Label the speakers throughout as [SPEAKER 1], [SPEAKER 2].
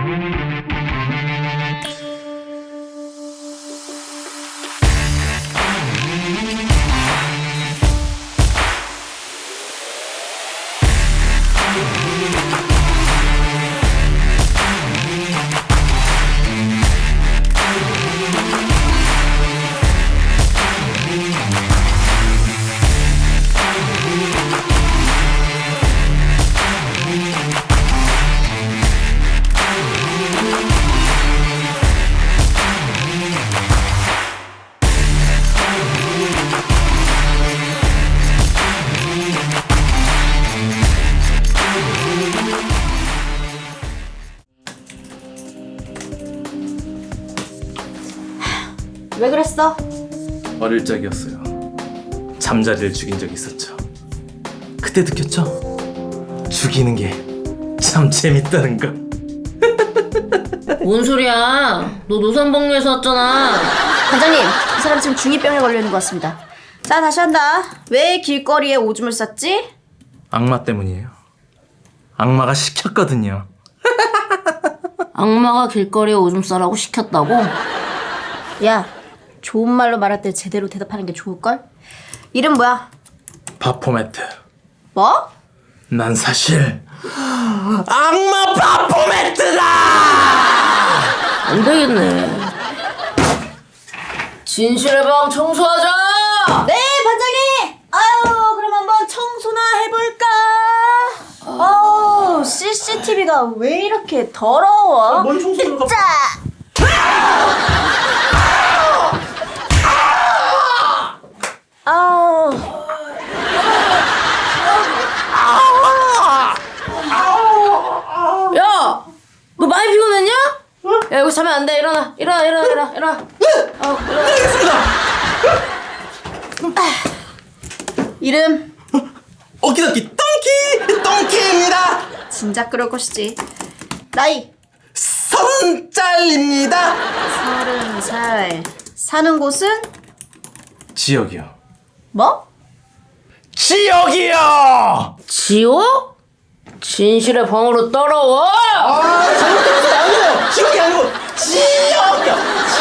[SPEAKER 1] 왜 그랬어?
[SPEAKER 2] 어릴 적이었어요. 잠자리를 죽인 적이 있었죠. 그때 느꼈죠? 죽이는 게 참 재밌다는 거.
[SPEAKER 3] 뭔 소리야? 너 노산복리에서 왔잖아.
[SPEAKER 1] 반장님, 이 사람 지금 중2병에 걸려있는 것 같습니다. 자, 다시 한다. 왜 길거리에 오줌을 쌌지?
[SPEAKER 2] 악마 때문이에요. 악마가 시켰거든요.
[SPEAKER 3] 악마가 길거리에 오줌 싸라고 시켰다고?
[SPEAKER 1] 야, 좋은 말로 말할 때 제대로 대답하는 게 좋을걸? 이름 뭐야?
[SPEAKER 2] 바포메트.
[SPEAKER 1] 뭐?
[SPEAKER 2] 난 사실 악마 바포메트다!
[SPEAKER 3] 안 되겠네. 진실의 방 청소하자!
[SPEAKER 1] 네, 반장님! 아유, 그럼 한번 청소나 해볼까? CCTV가 왜 이렇게 더러워?
[SPEAKER 2] 뭔 청소를
[SPEAKER 1] 자!
[SPEAKER 3] 야! 너 많이 피곤했냐? 야, 여기 자면 안 돼. 일어나. 일어나.
[SPEAKER 1] 이름
[SPEAKER 2] 오키도키 똥키입니다.
[SPEAKER 1] 진작 그럴 것이지. 나이
[SPEAKER 2] 30살입니다.
[SPEAKER 1] 30살. 사는 곳은?
[SPEAKER 2] 지역이요.
[SPEAKER 1] 뭐?
[SPEAKER 2] 지역이요.
[SPEAKER 3] 지호? 진실의 방으로 따라와!
[SPEAKER 2] 잘못했어요. 아니에요. 지역이 아니고 지역이요.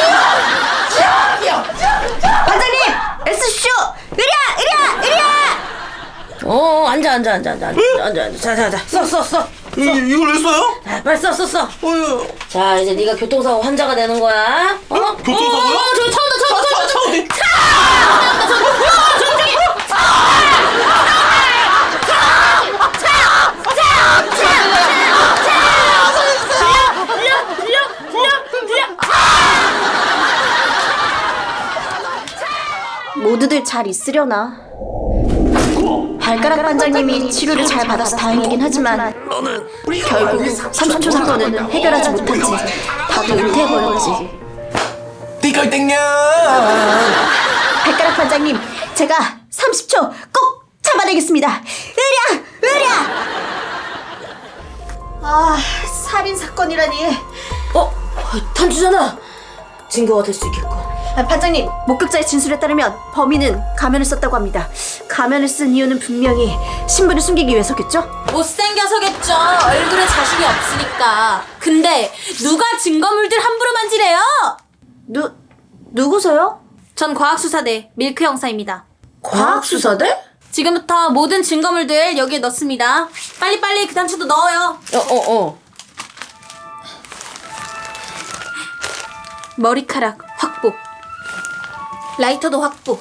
[SPEAKER 2] 지역이요.
[SPEAKER 1] 반장님! 애쓰십시오! 으랴!
[SPEAKER 3] 앉아. 자. 써.
[SPEAKER 2] 이걸 왜 써요?
[SPEAKER 3] 자, 빨리 써.
[SPEAKER 2] 어휴.
[SPEAKER 3] 자, 이제 네가 교통사고 환자가 되는 거야.
[SPEAKER 2] 교통사고요?
[SPEAKER 3] 저기 차 온다.
[SPEAKER 1] 모두들 잘 있으려나? 발가락 반장님이 치료를 잘 받아서 다행이긴 하지만 결국 30초 사건은 해결하지 못한 채 다들 은퇴해버렸지.
[SPEAKER 2] 띠걸땡냐.
[SPEAKER 1] 발가락 반장님, 제가 30초 꼭 참아내겠습니다. 으랴! 살인 사건이라니.
[SPEAKER 3] 탄주잖아. 증거가 될 수 있겠군.
[SPEAKER 1] 반장님, 목격자의 진술에 따르면 범인은 가면을 썼다고 합니다. 가면을 쓴 이유는 분명히 신분을 숨기기 위해서겠죠?
[SPEAKER 4] 못생겨서겠죠. 얼굴에 자신이 없으니까. 근데 누가 증거물들 함부로 만지래요?
[SPEAKER 1] 누구세요?
[SPEAKER 4] 전 과학수사대 밀크 형사입니다.
[SPEAKER 3] 과학수사대?
[SPEAKER 4] 지금부터 모든 증거물들 여기에 넣습니다. 빨리빨리 그 단추도 넣어요. 머리카락 확보. 라이터도 확보.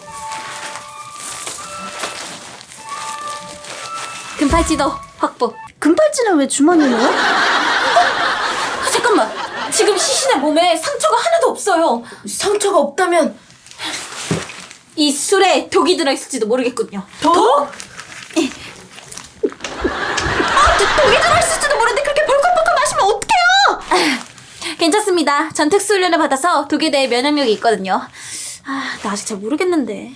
[SPEAKER 4] 금팔찌도 확보.
[SPEAKER 1] 금팔찌는 왜 주머니에 넣어요?
[SPEAKER 4] 잠깐만. 지금 시신의 몸에 상처가 하나도 없어요.
[SPEAKER 3] 상처가 없다면
[SPEAKER 4] 이 술에 독이 들어있을지도 모르겠군요.
[SPEAKER 3] 독?
[SPEAKER 1] 독이 들어있을지도 모르는데 그렇게 벌컥벌컥 마시면 어떡해요?
[SPEAKER 4] 괜찮습니다. 전 특수훈련을 받아서 독에 대해 면역력이 있거든요. 나 아직 잘 모르겠는데.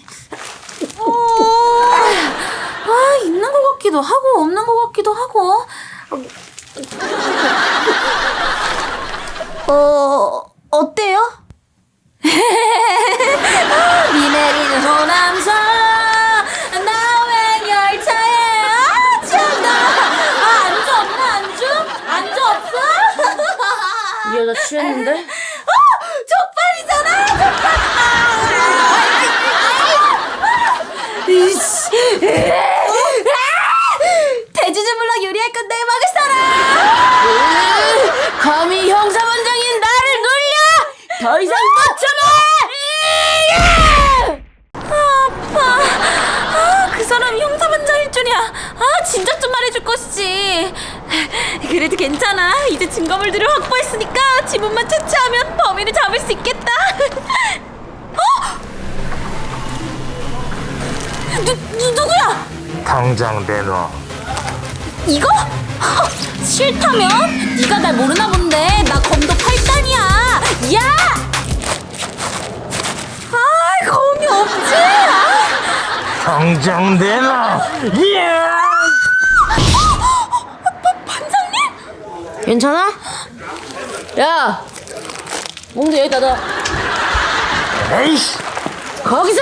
[SPEAKER 4] 있는 것 같기도 하고 없는 것 같기도 하고.
[SPEAKER 1] 어때요?
[SPEAKER 4] 비 내리는 호남선 나웬 열차에 참나. 안주 없나 안주? 안주 없어?
[SPEAKER 3] 이 여자 취했는데?
[SPEAKER 4] 족발이잖아, 족발. 돼지주물럭 요리할 건데 먹을 사람.
[SPEAKER 3] 감히 형사반장인 나를 놀려! 더 이상 못 참아!
[SPEAKER 4] 아파. 그 사람이 형사반장일 줄이야. 진작 좀 말해줄 것이지. 그래도 괜찮아. 이제 증거물들을 확보했으니까 지문만 채취하면 범인을 잡을 수 있겠다. 누구야?
[SPEAKER 5] 당장 내놔.
[SPEAKER 4] 이거? 싫다면? 네가 날 모르나 본데. 나 검도 8단이야. 야! 검이 없지?
[SPEAKER 5] 당장 내놔. 예!
[SPEAKER 3] 반장님? 괜찮아? 야! 몽두 여기다 놔.
[SPEAKER 5] 에이씨.
[SPEAKER 3] 거기서!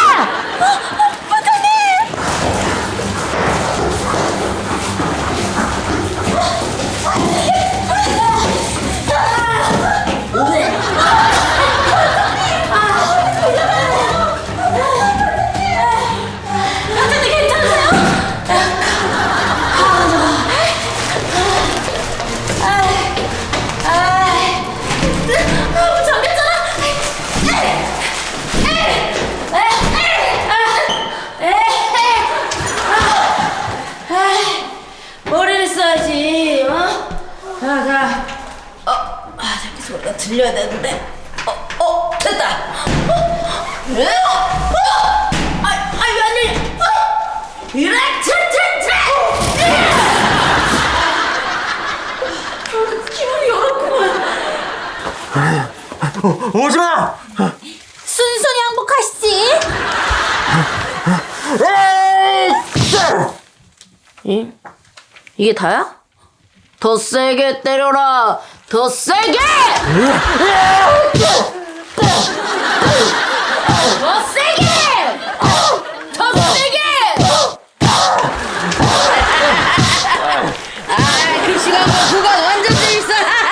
[SPEAKER 3] 머리를 써야지, 어? 자. 자꾸 소리가 들려야 되는데. 됐다. 왜? 왜 안 들려? 이래, 기분이 어렵구만.
[SPEAKER 5] 오지마.
[SPEAKER 4] 순순히 항복하시지.
[SPEAKER 3] 이게 다야? 더 세게 때려라! 더 세게! 더 세게! 더 세게! 그 시간과 구간 완전 재밌어!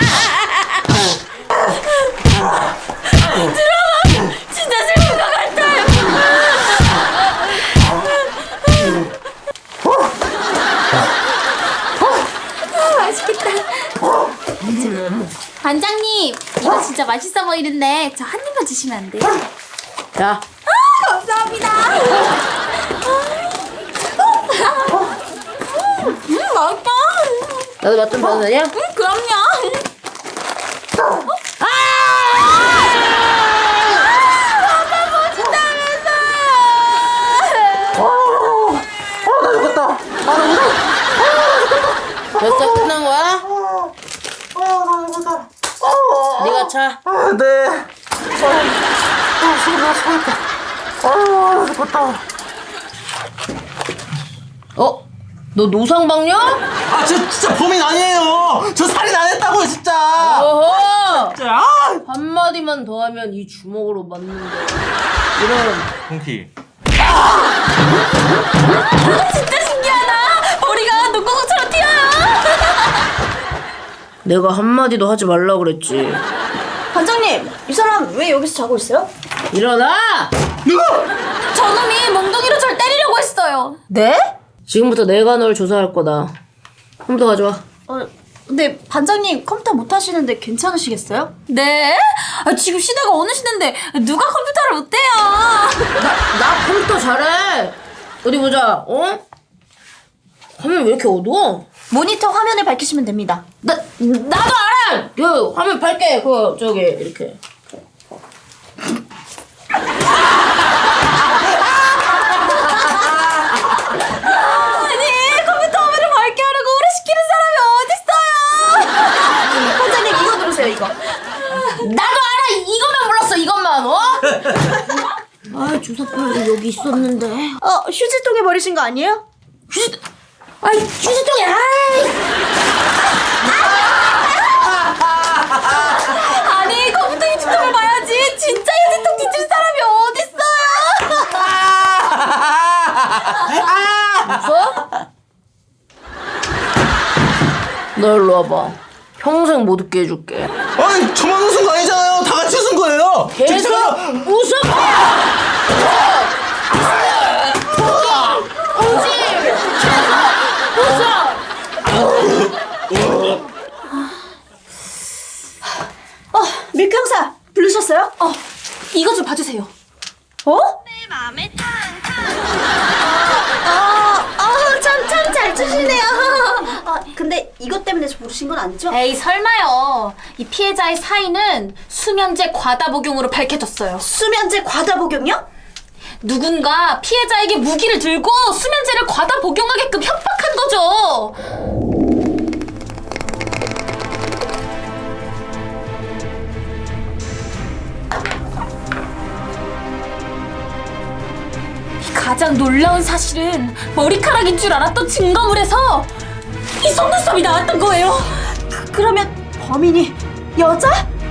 [SPEAKER 4] 진짜 슬픈 것 같아요. 맛있겠다. 반장님, 이거 진짜 맛있어 보이는데 저 한 입만 주시면 안 돼요?
[SPEAKER 3] 자,
[SPEAKER 4] 감사합니다. 맛있다.
[SPEAKER 3] 나도 맛 좀 봐도 되냐?
[SPEAKER 4] 그럼요.
[SPEAKER 3] 벌써 끝난 거야? 네가 차.
[SPEAKER 5] 네. 죽었다.
[SPEAKER 3] 너 노상방뇨?
[SPEAKER 2] 저 진짜 범인 아니에요. 저 살인 안 했다고요, 진짜.
[SPEAKER 3] 어허!
[SPEAKER 2] 진짜.
[SPEAKER 3] 한마디만 더 하면 이 주먹으로 맞는데. 이런.
[SPEAKER 5] 홍키.
[SPEAKER 4] 진짜 신기하다. 머리가 농구공처럼 튀어요.
[SPEAKER 3] 내가 한마디도 하지 말라 그랬지.
[SPEAKER 1] 반장님, 이 사람 왜 여기서 자고 있어요?
[SPEAKER 3] 일어나!
[SPEAKER 4] 저놈이 몽둥이로 절 때리려고 했어요.
[SPEAKER 1] 네?
[SPEAKER 3] 지금부터 내가 널 조사할 거다. 컴퓨터 가져와.
[SPEAKER 1] 근데 반장님 컴퓨터 못 하시는데 괜찮으시겠어요?
[SPEAKER 4] 네? 지금 시대가 어느 시대인데 누가 컴퓨터를 못해요?
[SPEAKER 3] 나 컴퓨터 잘해. 어디 보자. 화면 왜 이렇게 어두워?
[SPEAKER 1] 모니터 화면을 밝히시면 됩니다.
[SPEAKER 3] 나도 알아. 그 화면 밝게. 저기 이렇게.
[SPEAKER 4] 아니, 컴퓨터 화면을 밝게 하려고 오래 시키는 사람이 어딨어요?
[SPEAKER 1] 반장님 이거 누르세요, 이거.
[SPEAKER 3] 나도 알아. 이것만 몰랐어. 이것만. 아, 주사파가 여기 있었는데.
[SPEAKER 1] 휴지통에 버리신 거 아니에요?
[SPEAKER 3] 휴지통에.
[SPEAKER 4] 아니, 컴퓨터 유튜브를 봐야지. 진짜 휴지통 뒤질 사람이 어딨어요?
[SPEAKER 3] 웃어? 너 일로 와봐. 평생 못 웃게 해줄게.
[SPEAKER 2] 아니 저만 웃은 거 아니잖아요. 다 같이 웃은 거예요.
[SPEAKER 3] 계속 웃어.
[SPEAKER 1] 밀크 형사 부르셨어요?
[SPEAKER 4] 이거 좀 봐주세요.
[SPEAKER 1] 어? 참 잘 주시네요. 근데 이것 때문에 저 부르신 건 아니죠?
[SPEAKER 4] 에이 설마요. 이 피해자의 사인은 수면제 과다 복용으로 밝혀졌어요.
[SPEAKER 1] 수면제 과다 복용요?
[SPEAKER 4] 누군가 피해자에게 무기를 들고 수면제를 과다 복용하게끔 협박한 거죠. 가장 놀라운 사실은 머리카락인 줄 알았던 증거물에서 이 속눈썹이 나왔던 거예요.
[SPEAKER 1] 그러면 범인이 여자?